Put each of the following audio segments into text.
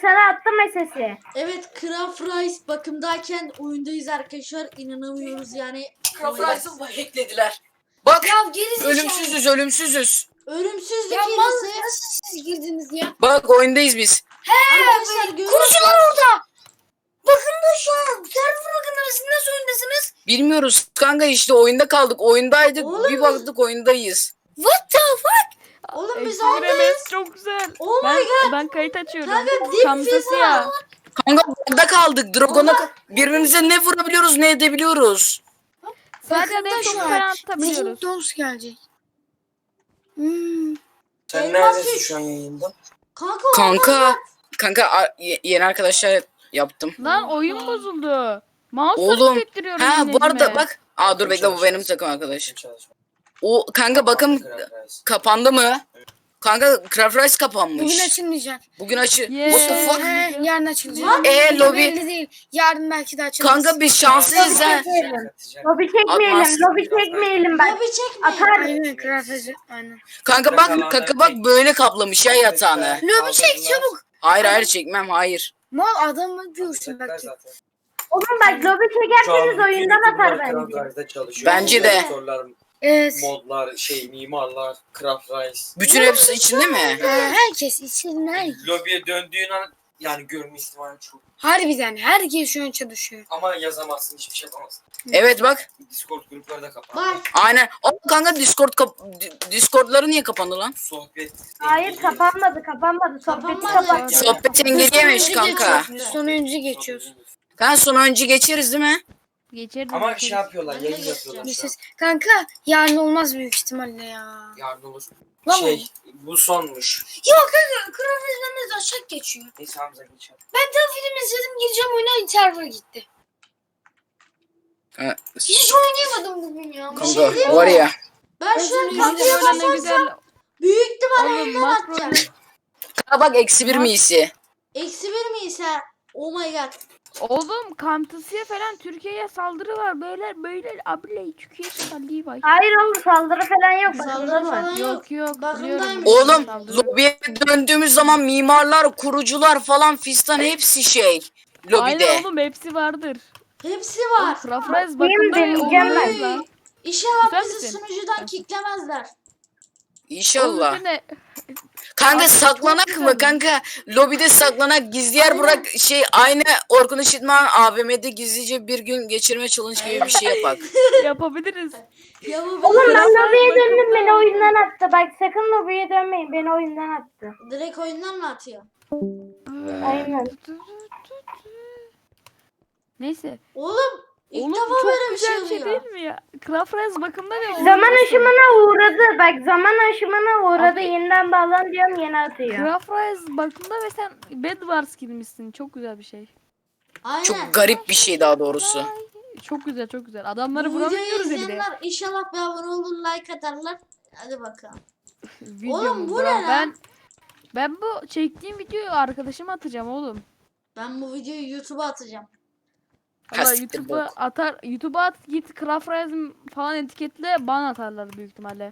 sana attım SS'i. Evet, Craft Rice bakımdayken oyundayız arkadaşlar. İnanamıyoruz yani. Craft Rice'ı hacklediler. Bak Ya gerizekalı. ölümsüzüz. Ölümsüzlük Ya hilesi. nasıl siz girdiniz ya? Bak oyundayız biz. Arkadaşlar görüyorsunuz. Kurucular orada. Bakın da şu an. Server bakın arasında nasıl oyundasınız? Bilmiyoruz kanka işte oyunda kaldık. Oyundaydık Oğlum bir baktık oyundayız. What the fuck? Oğlum biz Eksi oradayız. biremeyiz, çok güzel. Oh my Ben kayıt açıyorum. Kanka, dip Kamsası pizza. ya. Kanka burada kaldık. Dragon'a birbirimize ne vurabiliyoruz ne edebiliyoruz. Sadece Bakın da ne çok şu falan an. atabiliyoruz. Legend Dons gelecek. Sen Elmas neredesin üç. şu an yayında? Kanka. Kanka yeni arkadaşlar yaptım. Lan oyun bozuldu. Mouse'la Oğlum. hissettiriyorum Ha yine bu arada elime. bak. Aa dur bekle bu benim takım arkadaş. O kanka bakın kapandı mı? Kanka Craft Rice kapanmış. Bugün açılmayacak. Bugün açı. Yeah. What the fuck? Yarın açılacak. Lobi. Belli değil. Yarın belki de açılır. Kanka biz şanslıyız ha. Lobi çekmeyelim. Atmaz. Lobi çekmeyelim bak. Lobi çekme. Atar. Aynen krafacı. Aynen. Kanka bak böyle kaplamış ya yatağını. Lobi çek çabuk. Hayır çekmem hayır. Mal adamı diyorsun bak. Oğlum bak lobi çekerseniz oyundan atar bence. Bence de. Evet. Modlar, mimarlar, Craft Rice. Bütün hepsi içinde mi? Herkes için herkes. Lobiye döndüğün an yani görme ihtimali çok. Harbiden herkes şu an çalışıyor. Ama yazamazsın, hiçbir şey yapamazsın. Evet bak. Discord grupları da kapandı. Bak. Aynen. O kanka Discord'ları niye kapandı lan? Sohbet. Hayır kapanmadı. Sohbeti Kapanmadı. kapattı. Sohbet engelleyemiş kanka. Sonuncu geçiyoruz. Kanka sonra önce geçeriz değil mi? Geçeriz. Ama geçeriz. şey yapıyorlar, Ben de yayın geçeceğim. yapıyorlar şu an. Geçeceğiz. Kanka yarın olmaz büyük ihtimalle ya. Yarın olur. Lan Bu sonmuş. Yok kanka krafacılarınız aşağı geçiyor. Neyse Hamza geçelim. Ben tam film izledim gireceğim oyuna server gitti. Ha, Hiç oynayamadım bugün ya. kanka var ya. Ben şu an Özür Kanka kapıya böyle ne basarsam güzel. büyük ihtimalle Oğlum elinden makro atacağım. Kanka bak -1 miyisi? Eksi bir miyiz ha? Oh my god. Oğlum Kamtası'ya falan Türkiye'ye saldırı var. Böyle abile Türkiye saldırı var. Hayır oğlum saldırı falan yok. Saldırı Bakın var. falan yok. Yok Bakımdaymış. biliyorum. Oğlum Saldırı. lobiye döndüğümüz zaman mimarlar, kurucular falan fistan hepsi lobide. Aynen oğlum hepsi vardır. Hepsi Oğlum var. Krafrez Bakayım bakımda deneyeceğim olmaz ben. lan. İnşallah Güzel bizi misin? sunucudan kicklemezler. İnşallah. Oğlum ne? Kanka Abi, saklanak çok mı güzel. kanka? Lobide saklanak gizli yer Aynen. bırak aynı Orkun Işıtman AVM'de gizlice bir gün geçirme challenge gibi bir şey yapak. Yapabiliriz. Ya bu Oğlum ben Krafrez lobiye döndüm bakımda beni ya. oyundan attı. Bak sakın lobiye dönmeyin beni oyundan attı. direkt oyundan mı atıyor? Aynen. Neyse. Oğlum ilk Oğlum defa çok böyle bir şey güzel şey oluyor. değil mi ya? Krafrez bakımda ne olur? Zaman aşımına uğradı. Bak zaman aşımına uğradı. Yeniden bağlan diyorum yeni atıyor. Krafrez bakımda ve sen Bedwars girmişsin. Çok güzel bir şey. Aynen. Çok garip bir şey daha doğrusu. Çok güzel çok güzel. Adamları Bu videoyu vuramıyoruz ya bir de. izleyenler inşallah bir abone olur, like atarlar. Hadi bakalım. Videomu Oğlum, bu bırak. ne lan? Ben bu çektiğim videoyu arkadaşıma atacağım oğlum. Ben bu videoyu YouTube'a atacağım. Valla Kastiktir YouTube'a bok. atar. YouTube'a at git Krafrezm falan etiketle bana atarlar büyük ihtimalle.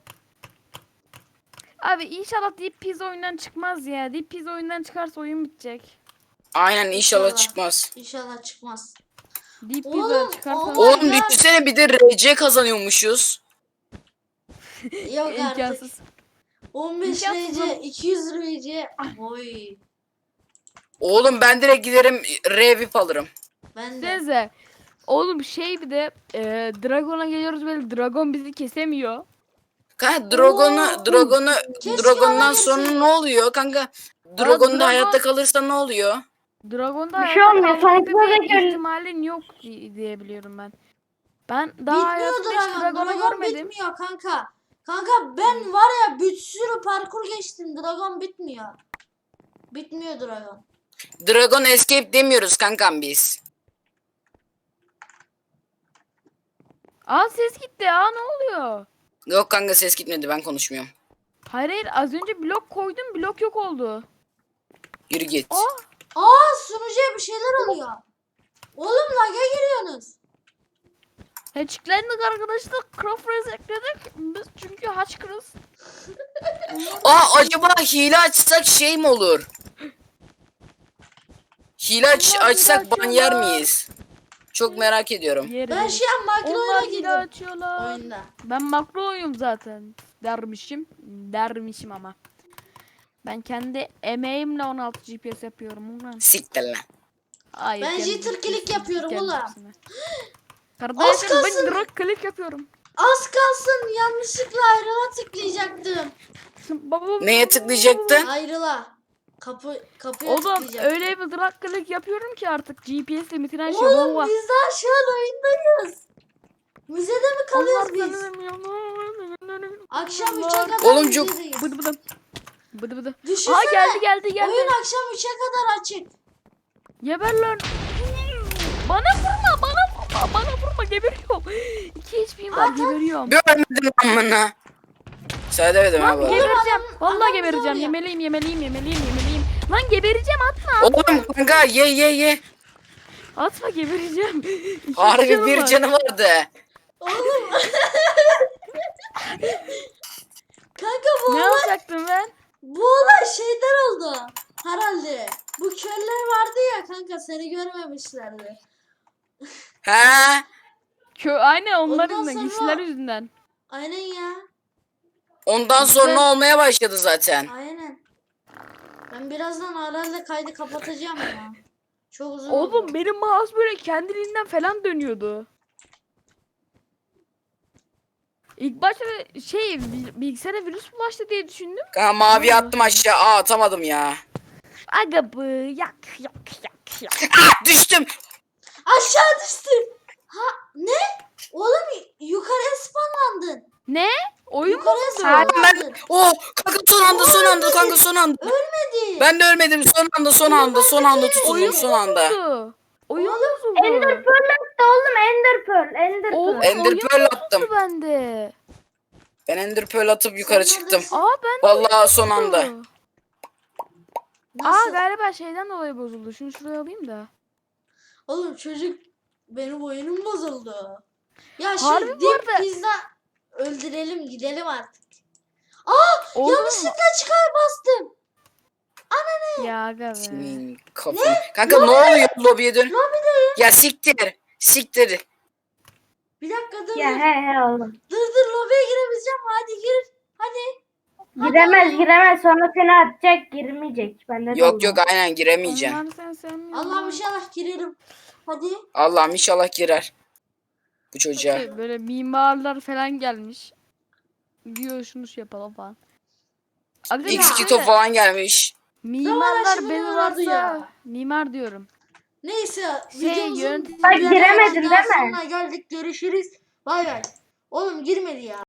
Abi inşallah Deep Pizza oyundan çıkmaz ya. Deep Pizza oyundan çıkarsa oyun bitecek. Aynen inşallah İnşallah. çıkmaz. İnşallah çıkmaz. Deep Oğlum, Pizza çıkarsa oğlum. Oğlum God. düşünsene bir de RC kazanıyormuşuz. Yok artık. imkansız. 15 İmkansız RC, oğlum. 200 RC. Oy. Oğlum ben direkt giderim revip alırım. Ben de. Size oğlum şey bir de Dragon'a geliyoruz böyle Dragon bizi kesemiyor. Kanka Oo. Keşke Dragon'dan bana sonra gelse. ne oluyor kanka? Dragon'da Dragon- hayatta kalırsa ne oluyor? Dragon'da Bir şey hayatta olmuyor, kalma sonuçta gibi da gör- ihtimalin yok diye biliyorum ben. Ben daha Bitmiyor hayatımda hiç Dragon. Dragon'u Dragon görmedim. bitmiyor kanka. Kanka ben var ya bir sürü parkur geçtim. Dragon bitmiyor. Bitmiyor Dragon. Dragon Escape demiyoruz kankam biz. Aa ses gitti ya ne oluyor? Yok kanka ses gitmedi ben konuşmuyorum. Hayır az önce blok koydum blok yok oldu. Yürü git. Aa sunucuya bir şeyler oluyor. Oğlum lag'a giriyorsunuz. Hatch'lendik arkadaşlar. Craftrez ekledik. Biz çünkü haçkırız. Aa acaba hile açsak şey mi olur? Hile Onlar açsak hile ban yer açıyorlar. miyiz? Çok merak ediyorum. Yeriz. Ben şu an Onlar makroyla hile girdim açıyorlar. oyunda. Ben makroyum zaten. Dermişim ama. Ben kendi emeğimle 16 GPS yapıyorum ulan. Siktir lan. Hayır. Ben kendi jitter click GPS'im yapıyorum kendi ulan. hepsine. Kardeşim kalsın. ben direkt click yapıyorum. Az kalsın yanlışlıkla ayrıla tıklayacaktım. Neye tıklayacaktın? Ayrıla. Kapıya Oğlum tıklayacaktım. öyle bir drag click yapıyorum ki artık GPS limitine şey Oğlum baba. biz daha şu an oyundayız. Müzede mi kalıyoruz biz? Akşam 3'e kadar Oğlum çok- müzedeyiz. Bıdı bıdı. Bıdı bıdı. Düşünsene. Aa geldi. Oyun akşam 3'e kadar açık. Geber lan. Bana vurma geberiyorum. 2 HP'm var geberiyorum. Görmedim lan bunu. Sen demedim ha Lan bu arada. gebereceğim. Vallahi adam gebereceğim. zor ya. Yemeliyim. Lan gebereceğim atma. Oğlum kanka ye. Atma gebereceğim. İki Harbi canım bir var. canı vardı. Oğlum. Kanka bu Ne yapacaktım ben? olay şeyden oldu. Herhalde. Bu köller vardı ya kanka seni görmemişlerdi. He? Aynen onlar Ondan yüzünden. sonra- Giysiler yüzünden. Aynen ya. Ondan sonra olmaya başladı zaten. Aynen. Ben birazdan herhalde kaydı kapatacağım ya. Çok uzun Oğlum oldu. benim mouse böyle kendiliğinden falan dönüyordu. İlk başta bilgisayara virüs bulaştı diye düşündüm. Kanka mavi attım aşağı. Aa atamadım ya. Aga bu yak. Ah düştüm. Aşağı düştüm. Ha ne? Oğlum yukarıya spawnlandın. Ne? Oyun mu Yukarıya bozuldu? spawnlandın. Oh kanka son anda. Ölmedi. Ben de ölmedim son anda tutundum son anda. Bozuldu. Oyun bozuldu. Ender Pearl attı oğlum, Ender Pearl. Oğlum Ender oyun Pearl bozuldu attım. bende. Ben Ender Pearl atıp yukarı Sen çıktım. neredesin? Aa ben Vallahi son anda. Nasıl? Galiba şeyden dolayı bozuldu. Şunu şuraya alayım da. Oğlum çocuk benim oyunum bozuldu. Ya şu Harbi bu dip arada- pizza öldürelim gidelim artık. Oğlum. Yanlışlıkla çıkar bastım. Ya aga be. Senin kafanı. Kanka ne oluyor lobiye dön. Ya siktir. Bir dakika dur Ya dur. he oğlum. Dur lobiye girebileceğim. Hadi gir. Hadi. Giremez sonra seni atacak, girmeyecek. Bende de Yok olmaz. yok aynen giremeyeceğim. Allah'ım sen sevmiyorsun. Allah'ım inşallah girerim. Hadi. Allah'ım inşallah girer. Bu çocuğa. Böyle mimarlar falan gelmiş. Diyor şunu şey yapalım falan. Aga X2 böyle top falan gelmiş. mimarlar Zaman beni aşımı vardı varsa ya. mimar diyorum. Neyse. Şey, Videomuzun yönetim- Bak ilerleyen giremedin daha değil mi? sonuna geldik. Görüşürüz. Bay bay. Oğlum girmedi ya.